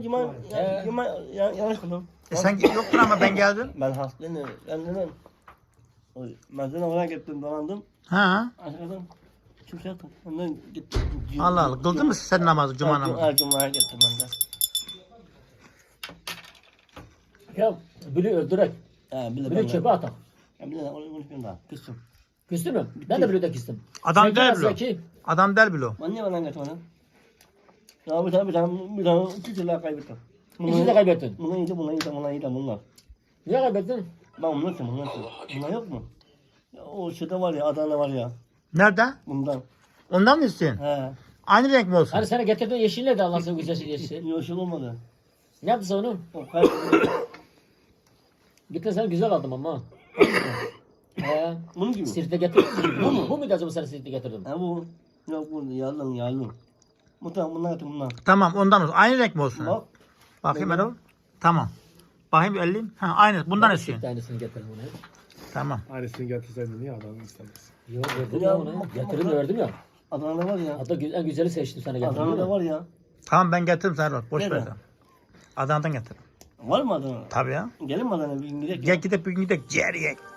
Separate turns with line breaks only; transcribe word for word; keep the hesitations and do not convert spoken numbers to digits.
Cuma,
He.
cuma ya, yanlış kıldım.
E sen yoktun ama ben geldim.
Ben hastayım. Ben dedim. Ben dedim oraya gittim, dolandım.
Ha.
Aşağıdan kimse yoktu. Ondan gittim.
Allah Allah. Kıldın mı sen namazı, cuma namazı?
Her cumaya gittim ben de.
Ya biri öldürek.
Ha, bir de
Biri
ben
çöpe
de.
atak.
Ya bir de onu konuşmayayım daha. Kızım.
Küstün mü? Ben de biri de küstüm.
Adam
Zeki
değil
nasıl
bile o.
Zeki?
Adam değil bile o.
Ben niye bana getirmedin? Ya bir tane bir tane bir tane iki silah kaybettim.
İkisi de kaybettin.
Bunlar iyiydi, bunlar iyiydi, bunlar iyiydi, bunlar.
Niye kaybettin?
Ben bunlar için, bunlar için. Bunlar yok mu? Ya o şeyde var ya, Adana var ya.
Nerede?
Bundan.
Ondan mı istiyorsun?
He.
Aynı renk mi olsun?
Hani sana getirdiğin yeşil neydi Allah'ın sevgisi yeşil yeşil?
Yoşul olmadı.
Ne yaptın sen onu?
O kaybetti.
Gittin sen güzel aldım ama. He.
Bunun gibi.
Sirte getirdin. Bu mu? Bu muydu acaba sana sirte getirdim?
Ha bu. Yok bu yalın yalın. Bu tamam bunlar atın bunlar.
Tamam ondan olsun. Aynı renk mi olsun?
Bak.
Bakayım Erol. Tamam. Bakayım elleyim. Ha aynı. Bundan
Ben
istiyorsun.
sirte aynısını getirdim ona.
Tamam.
Aynısını getirseydin niye adamı istemez?
Yok verdim
Ya,
ya ona.
bak-
Getirdim
bak-
verdim ya.
Adana'da var ya.
Hatta gü- en güzeli seçtim sana getirdim.
Adana'da
değil mi?
var ya.
Tamam ben getiririm sen Erol. Boş ver.
Nerede?
sen. Adana'dan getir.
Var mı Adana?
Tabii ya.
Gelin mi Adana'ya bir gün gidelim.
Gel gidip bir gün gidelim. Ciğer yiyek.